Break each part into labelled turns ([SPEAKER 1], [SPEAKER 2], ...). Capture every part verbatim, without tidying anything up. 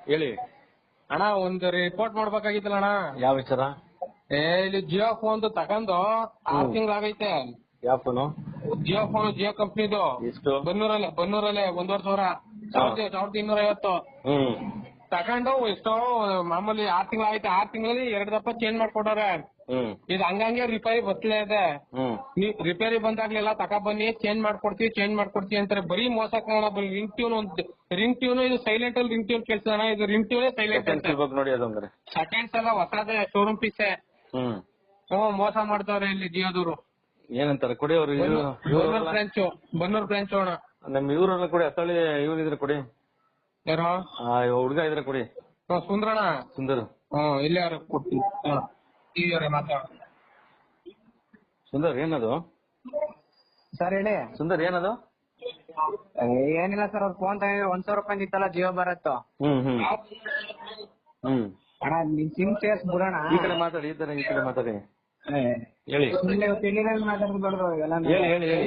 [SPEAKER 1] ಹೇಳಿ
[SPEAKER 2] ಅಣ್ಣ ಒಂದು ರಿಪೋರ್ಟ್ ಮಾಡ್ಬೇಕಾಗಿತ್ತಲ್ಲ ಅಣ್ಣ.
[SPEAKER 1] ಯಾವ ವಿಚಾರ?
[SPEAKER 2] ಏ ಇಲ್ಲಿ ಜಿಯೋ ಫೋನ್ ತಗೊಂಡು ಆರು ತಿಂಗಳಾಗೈತೆ.
[SPEAKER 1] ಯಾವ ಫೋನು?
[SPEAKER 2] ಜಿಯೋ ಫೋನ್ ಜಿಯೋ ಕಂಪ್ನಿದು.
[SPEAKER 1] ಎಷ್ಟು?
[SPEAKER 2] ಬನ್ನೂರಲ್ಲೇ ಬನ್ನೂರಲ್ಲೇ ಒಂದೂವರೆ ಸಾವಿರ ಸಾವಿರದ ಸಾವಿರದ ಇನ್ನೂರ ಐವತ್ತು
[SPEAKER 1] ಹ್ಮ್
[SPEAKER 2] ತಗೊಂಡು ಎಷ್ಟೋ ಮಾಮೂಲಿ ಆರ್ ತಿಂಗಳ ಆಯ್ತು. ಆರ್ ತಿಂಗಳಲ್ಲಿ ಎರಡ್ ದಪ್ಪ ಚೇಂಜ್ ಮಾಡ್ಕೊಟ್ಟಾರೆ.
[SPEAKER 1] ಹ್ಮ್
[SPEAKER 2] ಇದು ಹಂಗಂಗೆ ರಿಪೇರಿ ಬರ್ತಿಲ್ಲ ಇದೆ.
[SPEAKER 1] ಹ್ಮ್
[SPEAKER 2] ರಿಪೇರಿ ಬಂದಾಗ್ಲೆಲ್ಲ ತಕ ಬನ್ನಿ ಚೇಂಜ್ ಮಾಡ್ಕೊಡ್ತೀವಿ ಚೇಂಜ್ ಮಾಡ್ಕೊಡ್ತೀವಿ ಅಂತಾರೆ. ಬರೀ ಮೋಸ ಕಾರಣ. ರಿಂಗ್ ಟ್ಯೂನ್ ಒಂದು ರಿಂಗ್ ಟ್ಯೂನ್ ಇದು ಸೈಲೆಂಟ್ ಅಲ್ಲಿ ರಿಂಗ್ ಟ್ಯೂನ್ ಕೇಳ್ಸೋಣ. ಇದು ರಿಂಗ್ ಟ್ಯೂನ್ ಸೈಲೆಂಟ್ ಅಂತ
[SPEAKER 1] ನೋಡಿ ಅದು ಅಂದ್ರೆ
[SPEAKER 2] ಸೆಕೆಂಡ್ಸ್ ಎಲ್ಲ ಹೊಸದೇ ಶೋರೂಮ್ ಪೀಸೆ.
[SPEAKER 1] ಹ್ಮ್
[SPEAKER 2] ಹ್ಮ್ ಮೋಸ ಮಾಡ್ತಾವ್ರೆ ಇಲ್ಲಿ ಜಿಯೋದವರು.
[SPEAKER 1] ಏನಂತಾರೆ ಕೊಡಿ ಅವ್ರು?
[SPEAKER 2] ಬನ್ನೂರ್ ಬ್ರಾಂಚು ಬನ್ನೂರ್ ಬ್ರಾಂಚ್ ಅಣ್ಣ.
[SPEAKER 1] ನಮ್ ಇವ್ರನ್ನ ಕೊಡಿ. ಅಸಳಿ ಇವ್ರು ಇದ್ರೆ ಕೊಡಿ.
[SPEAKER 2] ಯಾರೋ
[SPEAKER 1] ಹುಡುಗ ಇದ್ರೆ ಕೊಡಿ.
[SPEAKER 2] ಸುಂದ್ರಣ
[SPEAKER 1] ಸುಂದರ್.
[SPEAKER 2] ಹ್ಮ್ ಇಲ್ಲಿ ಯಾರು ಕೊಡ್ತೀವಿ ಮಾತಾಡ.
[SPEAKER 1] ಸುಂದರ್ ಏನದು?
[SPEAKER 3] ಸರ್ ಹೇಳಿ.
[SPEAKER 1] ಸುಂದರ್ ಏನದು?
[SPEAKER 3] ಏನಿಲ್ಲ ಸರ್, ಅವ್ರ ಫೋನ್ ತಗೊಂಡ್ರೆ ಒಂದ್ ಸಾವಿರ ರೂಪಾಯಿ ಇತ್ತಲ್ಲ ಜಿಯೋ ಬರತ್ತ.
[SPEAKER 1] ಹ್ಮ್ ಹ್ಮ್ ಹ್ಮ್
[SPEAKER 3] ಅಣ್ಣ ನಿಮ್ ಸಿಮ್ ಸೇರ್ಸ್ ಬಿಡೋಣ.
[SPEAKER 1] ಈ ಕಡೆ ಮಾತಾಡಿ, ಈ ತರ ಈ ಕಡೆ ಮಾತಾಡಿ. ಹೇಳಿ
[SPEAKER 3] ಮಾತಾಡ್ಬಿಡ್ರು ಇವೆಲ್ಲ.
[SPEAKER 1] ಹೇಳಿ ಹೇಳಿ ಹೇಳಿ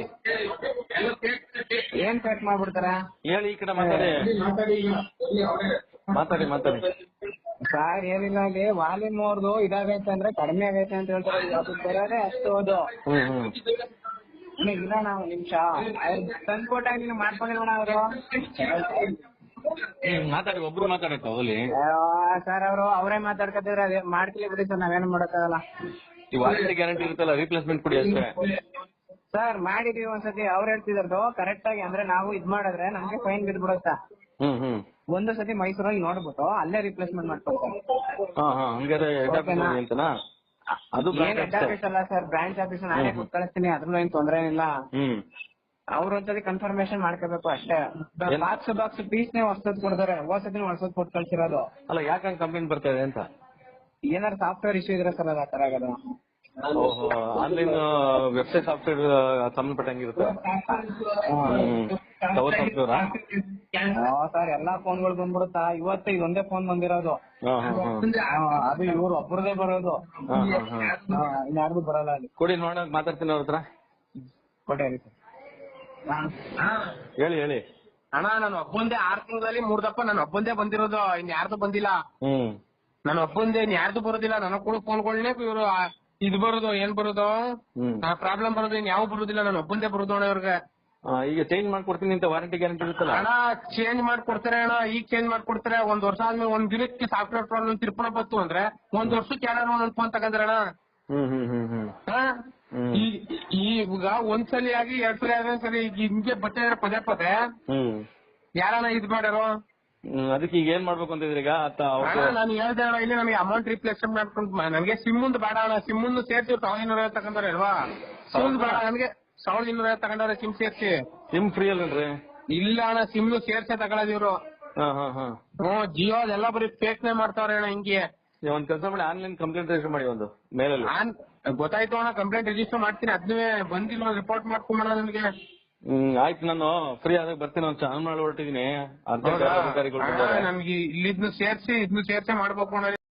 [SPEAKER 3] ಏನ್ ಕಟ್ ಮಾಡ್ಬಿಡ್ತಾರ?
[SPEAKER 1] ಹೇಳಿ ಈ ಕಡೆ ಮಾತಾಡಿ ಮಾತಾಡಿ ಮಾತಾಡಿ.
[SPEAKER 3] ಸರ್ ಏನಿಲ್ಲ, ಅಲ್ಲಿ ವಾಲ್ಯೂಮ್ ಅವ್ರದ್ದು ಇದಾಗೈತೆ ಅಂದ್ರೆ ಕಡಿಮೆ ಆಗೈತೆ ಅಂತ ಹೇಳ್ತಾರೆ. ಬರೋದೇ ಅಷ್ಟು ಅದು.
[SPEAKER 1] ಹ್ಮ್ ಹ್ಮ್
[SPEAKER 3] ಇಲ್ಲ ನಾವು ನಿಮಿಷ ತಂದ್ಕೊಟ್ಟಾಗ ನೀನು ಮಾಡ್ಕೊಂಡಿಲ್ವಣ ಅವರು?
[SPEAKER 1] ಮಾತಾಡಿ, ಒಬ್ರು ಮಾತಾಡಕ್ಕ ಹೋಗ್ಲಿ.
[SPEAKER 3] ಸರ್ ಅವರು ಅವರೇ ಮಾತಾಡ್ಕೊತಿದ್ರೆ ಅದೇ ಮಾಡ್ತಿಲ್ಲ ಬಿಡಿ ಸರ್, ನಾವೇನು ಮಾಡೋಕ್ಕಾಗಲ್ಲ.
[SPEAKER 1] ಈ ವಾರಂಟಿ ಗ್ಯಾರಂಟಿ ಇರುತ್ತಲ್ಲ, ರೀಪ್ಲೇಸ್ಮೆಂಟ್ ಕೊಡಿ ಅಷ್ಟೇ.
[SPEAKER 3] ಸರ್ ಮಾಡಿದೀವಿ ಒಂದ್ಸತಿ. ಅವ್ರು ಹೇಳ್ತಿದ್ರು ಕರೆಕ್ಟ್ ಆಗಿ ಅಂದ್ರೆ ನಾವು ಇದ್ ಮಾಡಿದ್ರೆ ನಮ್ಗೆ ಫೈನ್ ಬಿದ್ಬಿಡುತ್ತ.
[SPEAKER 1] ಹ್ಮ್ ಹ್ಮ್
[SPEAKER 3] ಒಂದು ಸತಿ ಮೈಸೂರಲ್ಲಿ ನೋಡ್ಬಿಟ್ಟು ಅಲ್ಲೇ ರಿಪ್ಲೇಸ್ಮೆಂಟ್ ಮಾಡ್ಕೊಡ್ತಾರೆ.
[SPEAKER 1] ಹಾ ಹಾ ಹಂಗಾರೆ ಅಂತನಾ? ಅದು
[SPEAKER 3] ಏನ್ ಹೆಡ್ ಆಫೀಸ್ ಅಲ್ಲ ಸರ್, ಬ್ರಾಂಚ್ ಆಫೀಸ್. ನಾನೇ ಕೊಟ್ಟು ಕಳಿಸ್ತೀನಿ, ಅದ್ರಲ್ಲೂ ಏನ್ ತೊಂದ್ರೆ ಏನಿಲ್ಲ.
[SPEAKER 1] ಹ್ಮ್
[SPEAKER 3] ಅವ್ರ ಒಂದ್ಸತಿ ಕನ್ಫರ್ಮೇಶನ್ ಮಾಡ್ಕೋಬೇಕು ಅಷ್ಟೇ. ಬಾಕ್ಸ್ ಬಾಕ್ಸ್ ಪೀಸ್ ನೇ ಹೊಸದ್ ಕೊಡ್ತಾರೆ, ಹೊಸದಿನ ಹೊಸದ್ ಕೊಟ್ಟು ಕಳ್ಸಿರೋದು.
[SPEAKER 1] ಅಲ್ಲ ಯಾಕಂಗ್ ಕಂಪ್ಲೇಂಟ್ ಬರ್ತಾ ಇದೆ ಅಂತ?
[SPEAKER 3] ಏನಾದ್ರು ಸಾಫ್ಟ್ವೇರ್ ಇಶ್ಯೂ ಇದ್ರೆ ಸರ್ ಅದು ಆ ತರ ಆಗೋದು.
[SPEAKER 1] ಆನ್ಲೈನ್ ವೆಬ್ಸೈಟ್ ಸಾಫ್ಟ್ವೇರ್ ಸಂಬಂಧಪಟ್ಟಂಗಿರುತ್ತೆ.
[SPEAKER 3] ಸರ್ ಎಲ್ಲಾ ಫೋನ್ಗಳು ಬಂದ್ಬಿಡುತ್ತಾ? ಇವತ್ತು ಇದೊಂದೇ ಫೋನ್ ಬಂದಿರೋದು. ಅದು ಇವ್ರು ಒಬ್ಬರದೇ ಬರೋದು, ಇನ್ಯಾರ್ದು ಬರಲ್ಲ. ಅಲ್ಲಿ
[SPEAKER 1] ಕೊಡಿ ನೋಡ, ಮಾತಾಡ್ತೀನಿ ಅವ್ರ ಹತ್ರ.
[SPEAKER 3] ಕೊಟ್ಟೇರಿ ಸರ್.
[SPEAKER 1] ಹೇಳಿ ಹೇಳಿ.
[SPEAKER 2] ಅಣ್ಣ ನಾನು ಒಬ್ಬಂದೇ ಆರ್ ತಿಂಗಳಲ್ಲಿ ಮೂರ್ ದಪ್ಪ ನಾನು ಒಬ್ಬಂದೇ ಬಂದಿರೋದು, ಇನ್ ಯಾರ್ದು ಬಂದಿಲ್ಲ.
[SPEAKER 1] ಹ್ಮ್
[SPEAKER 2] ನಾನು ಒಬ್ಬಂದೇ, ಇನ್ ಯಾರ್ದು ಬರೋದಿಲ್ಲ. ನನಗ್ ಕೂಡ ಫೋನ್ಗಳನ್ನೇ ಇವ್ರು ಇದು ಬರೋದು, ಏನ್ ಬರೋದು ಪ್ರಾಬ್ಲಮ್ ಬರೋದು, ಇನ್ ಯಾವ ಬರೋದಿಲ್ಲ. ನಾನು ಒಬ್ಬಂದೇ ಬರೋದು ಅಣ್ಣ ಇವ್ರಿಗೆ.
[SPEAKER 1] ಈಗ ಚೇಂಜ್ ಮಾಡ್ಕೊಡ್ತೀನಿ ಅಂತ ವಾರಂಟಿ ಗ್ಯಾರಂಟಿ ಇರುತ್ತಲ್ಲ
[SPEAKER 2] ಅಣ್ಣ. ಚೇಂಜ್ ಮಾಡ್ಕೊಡ್ತಾರೆ ಅಣ್ಣ, ಈಗ ಚೇಂಜ್ ಮಾಡ್ಕೊಡ್ತಾರೆ. ಒಂದ್ ವರ್ಷ ಆದ್ಮೇಲೆ ಒಂದ್ ದಿನಕ್ಕೆ ಸಾಫ್ಟ್ವೇರ್ ಪ್ರಾಬ್ಲಮ್ ತಿರ್ಪಣ ಬಂತು ಅಂದ್ರೆ ಒಂದ್ ವರ್ಷಕ್ಕೆ ಯಾರು ಒಂದೊಂದ್ ಫೋನ್ ತಗೊಂಡ್ರಣ.
[SPEAKER 1] ಹ್ಮ್ ಹ್ಮ್ ಹ್ಮ್ ಹ್ಮ್
[SPEAKER 2] ಈಗ ಒಂದ್ಸಲಿ ಆಗಿ ಎರಡ್ ಸಲ ಆದ್ರೆ ಸರಿ, ಈಗ ಹಿಂಗೆ ಬಟ್ಟೆ ಪದೇ ಪದೇ
[SPEAKER 1] ಹ್ಮ್
[SPEAKER 2] ಯಾರನ್ನ ಇದ್ ಮಾಡ್ಯಾರೋ.
[SPEAKER 1] ಅದಕ್ಕೆ ಈಗ ಏನ್ ಮಾಡ್ಬೇಕು ಅಂತ ಇದ್ರೀಗ?
[SPEAKER 2] ನಾನು ಹೇಳ್ದೆ ಅಣ್ಣ, ಇಲ್ಲಿ ನನಗೆ ಅಮೌಂಟ್ ರಿಪ್ಲೇಸ್ಮೆಂಟ್ ಮಾಡ್ಕೊಂಡು ನನಗೆ ಸಿಮ್ ಮುಂದ್ ಬೇಡ ಅಣ್ಣ. ಸಿಮ್ ಮುಂದ್ ಸೇರ್ಸಿ ಸಾವಿರದ ಇನ್ನೂರ ಐವತ್ತು ತಗೊಂಡ್ರೆ ಅಲ್ವಾ? ಸಿಮ್ ಬೇಡ ನನಗೆ, ಸಾವಿರದ ಇನ್ನೂರ ಐವತ್ತು ತಗೊಂಡ್ರೆ ಸಿಮ್ ಸೇರ್ಸಿ.
[SPEAKER 1] ಸಿಮ್ ಫ್ರೀ ಅಲ್ರಿ?
[SPEAKER 2] ಇಲ್ಲ ಅಣ್ಣ, ಸಿಮ್ ಸೇರ್ಸೆ ತಗೊಳ್ಳೋದು ಇವ್ರು. ಹ್ಮ್ ಜಿಯೋ ಅದೆಲ್ಲ ಬರೀ ಫೇಕ್ನೇ ಮಾಡ್ತಾವ್ರೆ ಅಣ್ಣ. ಹಿಂಗೆ
[SPEAKER 1] ಒಂದ್ ಕೆಲಸ ಮಾಡಿ, ಆನ್ಲೈನ್ ಕಂಪ್ಲೇಂಟ್ ರಿಜಿಸ್ಟರ್ ಮಾಡಿ. ಒಂದು ಮೇಲಲ್ಲಿ
[SPEAKER 2] ಗೊತ್ತಾಯ್ತು ಅಣ್ಣ, ಕಂಪ್ಲೇಂಟ್ ರಿಜಿಸ್ಟರ್ ಮಾಡ್ತೀನಿ. ಅದನ್ನೇ ಬಂದಿಲ್ಲ, ರಿಪೋರ್ಟ್ ಮಾಡ್ಕೊಂಬೋಣ ನನಗೆ.
[SPEAKER 1] ಹ್ಮ್ ಆಯ್ತು, ನಾನು ಫ್ರೀ ಆದಾಗ ಬರ್ತೀನಿ. ಒಂದು ಚಾನಲ್ ಮಾಡಿ ಹೊರಟಿದೀನಿ.
[SPEAKER 2] ನಮ್ಗೆ ಇಲ್ಲಿದ್ನು ಸೇರ್ಸಿ ಇದನ್ನು ಸೇರ್ಸೆ ಮಾಡ್ಬೇಕು ಅಣ್ಣ.